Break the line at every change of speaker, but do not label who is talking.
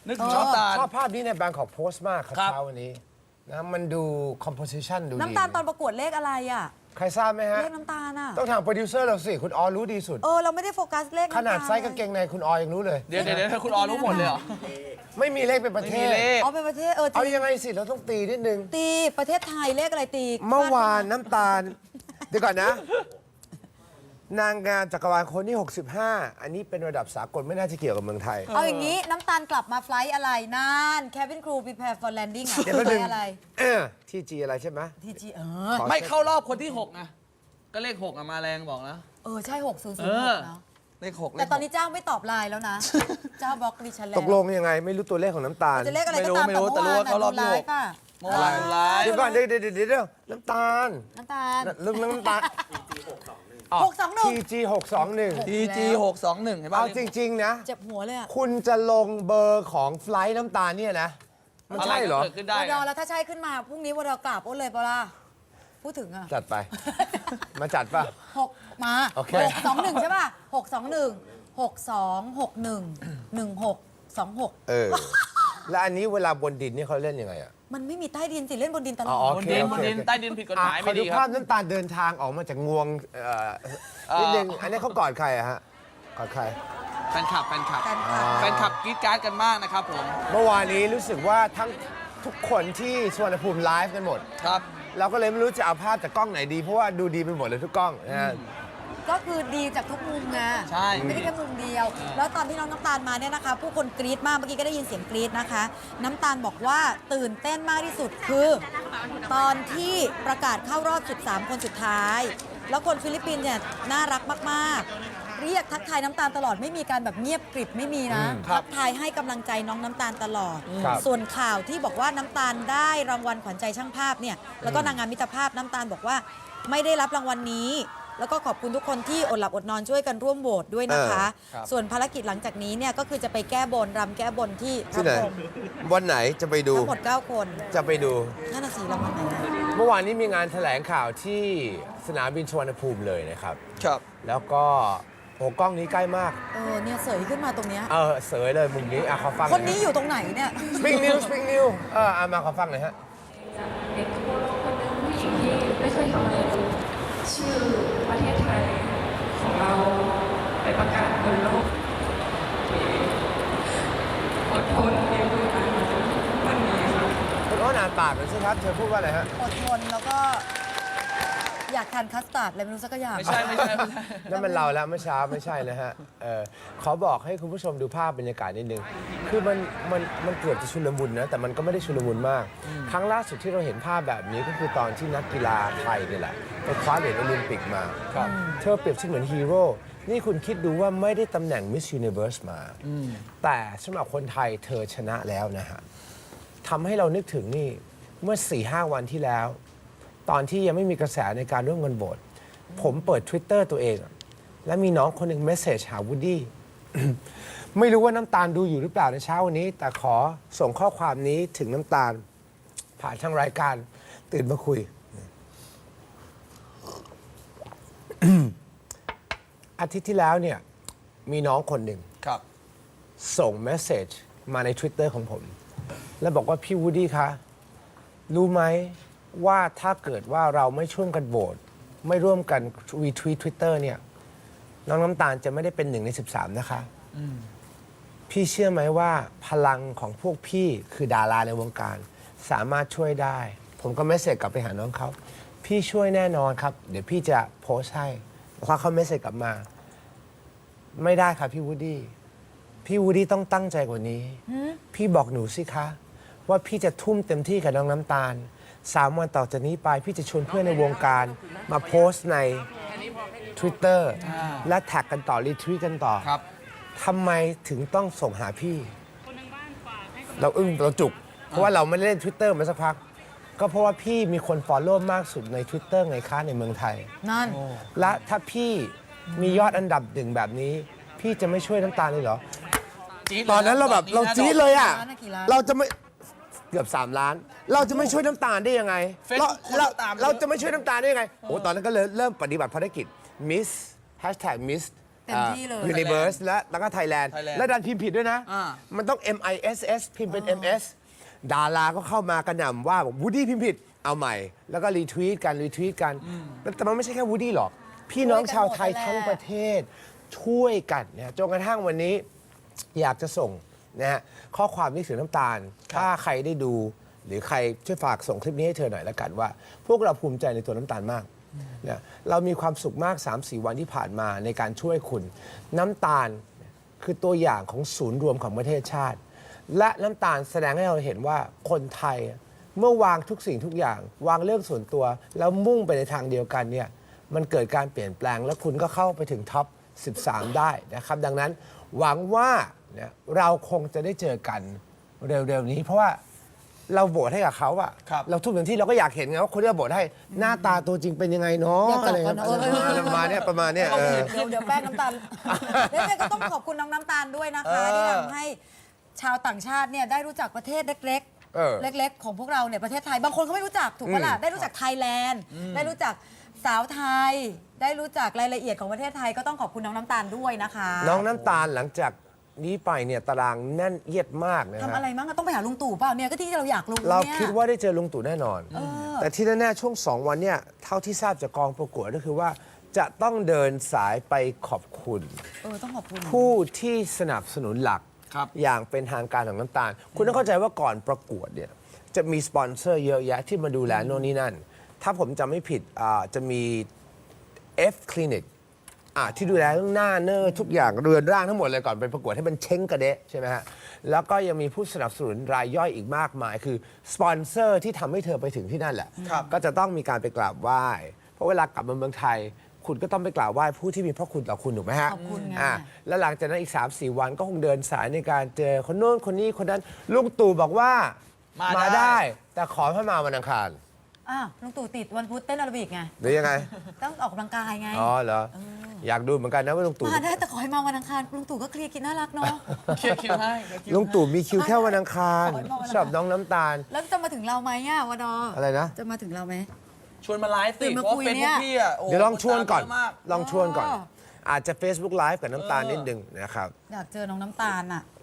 นึกถึงน้ำตาล
ชอบภาพนี้ในแบงค์ของโพสต์มากครับ
ครับ
เช้าวันนี้นะมันดู composition ดูดี
น้ำตาลตอนประกวดเลขอะไรอ่ะ
ใครทราบไหมฮะ
เลขน้ำตาลอ่ะ
ต้องถามโปรดิวเซอร์เราสิ คุณออรู้ดีสุด
เราไม่ได้โฟกัสเลข
ขนาดไซส์กางเกงในคุณออยังรู้เลย
เดี๋ยวคุณออรู้หมดเลยเหรอ
ไม่มีเลขเป็นประเท
ไม่มี
ศ
เลข
เป็นประเทศ
เอายังไงสิ เราต้องตีนิดนึง
ตีประเทศไทยเลขอะไรตี
เมื่อวานน้ำตาล เดี๋ยวก่อนนะ นางงามจักรวาลคนที่ 65 อันนี้เป็นระดับสากลไม่น่าจะเกี่ยวกับเมืองไทย
เอาอย่างนี้น้ำตาลกลับมาไฟล์อะไรนั่น Cabin Crew Prepare for Landing อ่ะ
เดี๋ยวแป๊บ
ไฟ
นึง
ล์อะไร
ที่จีอะไรใช่ไหม
ทีจี
ขอ
ไม่เข้ารอบคนที่6ไงก็เลข6มาแรงบอกนะ
ใช่600
เออ
เนาะ
เลข6
แต่ตอนนี้เจ้าไม่ตอบไลน์แล้วนะ เจ้าบล็อกดิฉันแล้ว
ตกลงยังไงไม่รู้ตัวเลขของน้ำตาล
จะเลขอะไรก็ตาม
ไม่รู้แต่รู้ว่าเขารอบ
ไล
ที่หก
ฟ์ป่ะ
เมื่อวานไลฟ์
เดี๋ยวก่อนเดี๋ยวน้ำตาล
น้ำตาล
ลืมน้ำตาล
621
TG 621
TG 621เห็นป่ะ
เอาจริง ๆ นะ
เจ็บหัวเลยอ่ะ
คุณจะลงเบอร์ของไฟล์น้ำตาลเนี่ยนะ มันใช่เหรอ
ะไก็เกิดขึ้นได้
ว
ไง
ดอแล้วถ้าใช่ขึ้นมาพรุ่งนี้วดอกราบอ้นเลยเปล่าล่ะพูดถึงอ่ะ
จัดไป มาจัดป่ะ
6 มา
โอเค
621 ใช่ป่ะ 621 6261 1626
แล้วอันนี้เวลาบนดินนี่เขาเล่นยังไงอ่ะ
มันไม่มีใต้ดินสิ เล่นบนดินตลอ
อ๋
ด
อ
บนดินบนดินใต้ดินผิดกฎหมาย
ขอ
ไม่
ดู
ดีค
ภา
รั
พ
บ
น้ำตาลเดินทางออกมาจากงวงนิดนึงอันนี้เขากอดใครอะฮะกอดใคร
แฟนคลับ
กันค่ะ
แฟนคลับกรี๊ดกราร์ดกันมากนะครับผม
เมื่อวานนี้รู้สึกว่าทั้งทุกคนที่สุวรรณภูมิไลฟ์กันหมด
ครับ
เราก็เลยไม่รู้จะเอาภาพจากกล้องไหนดี เพราะว่าดูดีไปหมดเลยทุกกล้องนะฮะ
ก็คือดีจากทุกมุมไง
ใช่
ไม่ได้แค่มุมเดียว แล้วตอนที่น้องน้ำตาลมาเนี่ยนะคะ ผู้คนกรี๊ดมาก เมื่อกี้ก็ได้ยินเสียงกรี๊ดนะคะ น้ำตาลบอกว่าตื่นเต้นมากที่สุดคือ ตอนที่ประกาศเข้ารอบ 13 คนสุดท้าย แล้วคนฟิลิปปินส์เนี่ยน่ารักมากๆ เรียกทักทายน้ำตาลตลอดไม่มีการแบบเงียบกริบไม่มีนะ
ครับ
ทักทายให้กำลังใจน้องน้ำตาลตลอด
ครับ
ส่วนข่าวที่บอกว่าน้ำตาลได้รางวัลขวัญใจช่างภาพเนี่ยแล้วก็นางงามมิตรภาพน้ำตาลบอกว่าไม่ได้รับรางวัลนี้ แล้วก็ขอบคุณทุกคนที่อดหลับอดนอนช่วยกันร่วมโหวตด้วยนะคะ
ครับ
ส่วนภารกิจหลังจากนี้เนี่ยก็คือจะไปแก้บนรำแก้บนที่พ
ที่
ระ
ไหน
พรหม
วันไหนจะไปดู
ทั้งหมด 9 คน
จะไปดู
นั่นน่ะสิรางวัลไหนนะ
เมื่อวานนี้มีงานแถลงข่าวที่สนามบินสุวรรณภูมิเลยนะครับ
ครับ
แล้วก็โอ้กล้องนี้ใกล้มาก
เนี่ยเสยขึ้นมาตรงเนี้ย
เสยเลยมุมนี้ขอฟัง
คนนี้อยู่ตรงไหนเนี่ย
สปริงนิวสปริงนิวมาขอฟังหน่อยฮะ
เด็กทั่วโลกคนหนึ่งผู้หญิงที่ไม่เคยทำอะไรเลยชื่อประเทศไทยของเราไปประกาศบนโลกอดทนเรียนรู้กันมาจนวันนี้ค่ะ
คุณอ้อนอ่านปากหน่อยสิครับ เธอพูดว่าอะไรฮะ
อดทนแล้วก็อยากทานคัสตาร์ดอะไรไม่รู้สักอย่าง
ไม่ใช่
นั่นมันเราแล้วเมื่อเช้าไม่ใช่นะฮะขอบอกให้คุณผู้ชมดูภาพบรรยากาศนิดนึง คือมันเกือบจะชุลมุนนะ แต่มันก็ไม่ได้ชุลมุนมาก ครั้งล่าสุดที่เราเห็นภาพแบบนี้ก็คือตอนที่นักกีฬาไทยนี่แหละไปคว้าเหรียญโอลิมปิกมาเธอเปรียบเสมือนฮีโร่ นี่คุณคิดดูว่าไม่ได้ตำแหน่ง Miss Universe มา แต่สำหรับคนไทยเธอชนะแล้วนะฮะทำให้เรานึกถึงนี่เมื่อ 4-5 วันที่แล้ว ตอนที่ยังไม่มีกระแสในการร่วมกันโหวตผมเปิด Twitter ตัวเองอะและมีน้องคนหนึ่งเมสเซจหาวูดดี้ ไม่รู้ว่าน้ำตาลดูอยู่หรือเปล่าในเช้าวันนี้ แต่ขอส่งข้อความนี้ถึงน้ำตาล ผ่านทางรายการตื่นมาคุย อาทิตย์ที่แล้วเนี่ยมีน้องคนหนึ่ง
ครับ
ส่งเมสเซจมาใน Twitter ของผม แล้วบอกว่าพี่วูดดี้คะ รู้ไหมว่าถ้าเกิดว่าเราไม่ช่วยกันโหวตไม่ร่วมกันวีทวีต Twitter เนี่ยน้องน้ำตาลจะไม่ได้เป็น1 ใน 13 นะคะ พี่เชื่อไหมว่าพลังของพวกพี่คือดาราในวงการ สามารถช่วยได้ ผมก็เมสเซจกลับไปหาน้องเขา พี่ช่วยแน่นอนครับ เดี๋ยวพี่จะโพสต์ให้พอเขาเมสเซจกลับมา ไม่ได้ครับพี่วูดดี้พี่วูดดี้ต้องตั้งใจกว่านี้ พี่บอกหนูสิคะ ว่าพี่จะทุ่มเต็มที่กับน้องน้ำตาล 3 วันต่อจากนี้ไปพี่จะชวนเพื่อนในวงการมาโพสต์ใน Twitter และแท็กกันต่อรีทวีตกันต่อ
ครับ
ทำไมถึงต้องส่งหาพี่ เราอึ้งเราจุก เพราะว่าเราไม่ได้เล่น Twitter มาสักพัก ก็เพราะว่าพี่มีคนฟอลโล่มากสุดใน Twitter ไงคะในเมืองไทย
นั่น
และถ้าพี่มียอดอันดับ1แบบนี้ พี่จะไม่ช่วยน้ำตาลเลยเหรอ
จี๊ด
ตอนนั้นเราแบบเราจี๊ดเลยอ่ะ
กี่ล้าน
เราจะไม่เกือบ3 ล้าน เราจะไม่ช่วยน้ำตาลได้ยังไง
Facebook คนตามเยอะ
เราจะไม่ช่วยน้ำตาลได้ยังไงโอ้ตอนนั้นก็เลยเริ่มปฏิบัติภารกิจ Miss #Miss
เต็มที่เลย
Universe แล้วก็ Thailand และดันพิมพ์ผิดด้วยนะ
อ่า
มันต้อง MISS พิมพ์เป็น MS ดาราก็เข้ามากระหน่ำว่าวูดดี้พิมพ์ผิดเอาใหม่ แล้วก็รีทวีตกันแต่มันไม่ใช่แค่วูดดี้หรอก พี่น้องชาวไทยทั้งประเทศช่วยกันเนี่ยจนกระทั่งวันนี้อยากจะส่งนะฮะข้อความนี้ถึงน้ำตาล ถ้าใครได้ดูหรือใครช่วยฝากส่งคลิปนี้ให้เธอหน่อยละกันว่า พวกเราภูมิใจในตัวน้ำตาลมากเนี่ยเรามีความสุขมาก 3-4 วันที่ผ่านมาในการช่วยคุณน้ำตาลคือตัวอย่างของศูนย์รวมของประเทศชาติ และน้ำตาลแสดงให้เราเห็นว่าคนไทยเมื่อวางทุกสิ่งทุกอย่าง วางเรื่องส่วนตัว แล้วมุ่งไปในทางเดียวกันเนี่ยมันเกิดการเปลี่ยนแปลง แล้วคุณก็เข้าไปถึงท็อป 13 ได้นะครับ ดังนั้นหวังว่าเนี่ยเราคงจะได้เจอกันเร็วๆนี้ เพราะว่าเราโหวตให้กับเขาอะ
ครับ
เราทุกอย่างที่เราก็อยากเห็นไงว่าคนที่เราโหวตให้หน้าตาตัวจริงเป็นยังไงเนาะ
อยากจับ
อะไร
กัน
เงี้ย ประมาณเนี้ย
เดี๋ยวแป้งน้ำตาลแล้วเนี่ยก็ต้องขอบคุณน้องน้ำตาลด้วยนะคะที่ทำให้ชาวต่างชาติเนี่ยได้รู้จักประเทศเล็ก
เออ
ๆ เล็ก ๆ ของพวกเราเนี่ยประเทศไทย บางคนเขาไม่รู้จักถูกปะล่ะได้รู้จักไทยแลนด์ได้รู้จักสาวไทย ได้รู้จักรายละเอียดของประเทศไทยก็ต้องขอบคุณน้องน้ำตาลด้วยนะคะ
น้องน้ำตาลหลังจากนี้ไปเนี่ยตารางแน่นเอียดมากนะ
ทำ
ฮะ
อะไรมั้งอะต้องไปหาลุงตู่เปล่าเนี่ยก็ที่เราอยากรู้
เรา
เนี่ย
คิดว่าได้เจอลุงตู่แน่นอน แต่ที่แน่ๆช่วง 2 วันเนี่ยเท่าที่ทราบจากกองประกวดก็คือว่าจะต้องเดินสายไปขอบคุณ
ต้องขอบคุณ
ผู้ที่สนับสนุนหลัก
ครับ
อย่างเป็นทางการของน้ำตาล คุณต้องเข้าใจว่าก่อนประกวดเนี่ยจะมีสปอนเซอร์เยอะแยะที่มาดูแลโน่นนี่นั่น ถ้าผมจำไม่ผิดจะมี F Clinic ที่ดูแลเรื่องหน้าเนื้อทุกอย่างเรือนร่างทั้งหมดเลยก่อนไปประกวดให้มันเช้งกระเดะใช่ไหมฮะ แล้วก็ยังมีผู้สนับสนุนรายย่อยอีกมากมาย คือสปอนเซอร์ที่ทำให้เธอไปถึงที่นั่นแหละ
ครับ
ก็จะต้องมีการไปกราบไหว้ เพราะเวลากลับมาเมืองไทย คุณก็ต้องไปกราบไหว้ผู้ที่มีพระคุณต่อคุณถูกไหมฮะ
ขอบคุณไง
แล้วหลังจากนั้นอีก 3-4 วันก็คงเดินสายในการเจอคนโน้นคนนี้คนนั้นลุงตู่บอกว่า
มาได้
ได้ แต่ขอให้มาวันอังคาร
ลุงตู่ติดวันพุธเต้นแอโรบิกไง
หรือยังไง
ต้องออกกำลังกายไง
อ๋อเหรอ อยากดูเหมือนกันนะว่าลุงตู่
มาได้แต่ขอให้มาวันอังคารลุงตู่ก็เคลียร์กินน่ารักเนาะ
เคลียร์คิวให้เคลียร์คิว
ลุงตู่มีคิวแค่วันอังคาร
ขอให้มาวันอังคาร
ชอบน้องน้ำตาล
แล้วจะมาถึงเราไหมอ่ะวดอ
อะไรนะ
จะมาถึงเราไหม
ชวนมาไลฟ์สิ
ตื่นมา
เพราะ
คุย
เป็น
เนี่
พวย กพี่อ่ะโ
เดี๋ยวลองชวนก่อน
คตามเยะมาก
ลองชวนก่อน อาจจะ Facebook Live กับน้ำตาลนิดนึงนะครับ
อยากเจอน้องน้ำตาลอ่ะ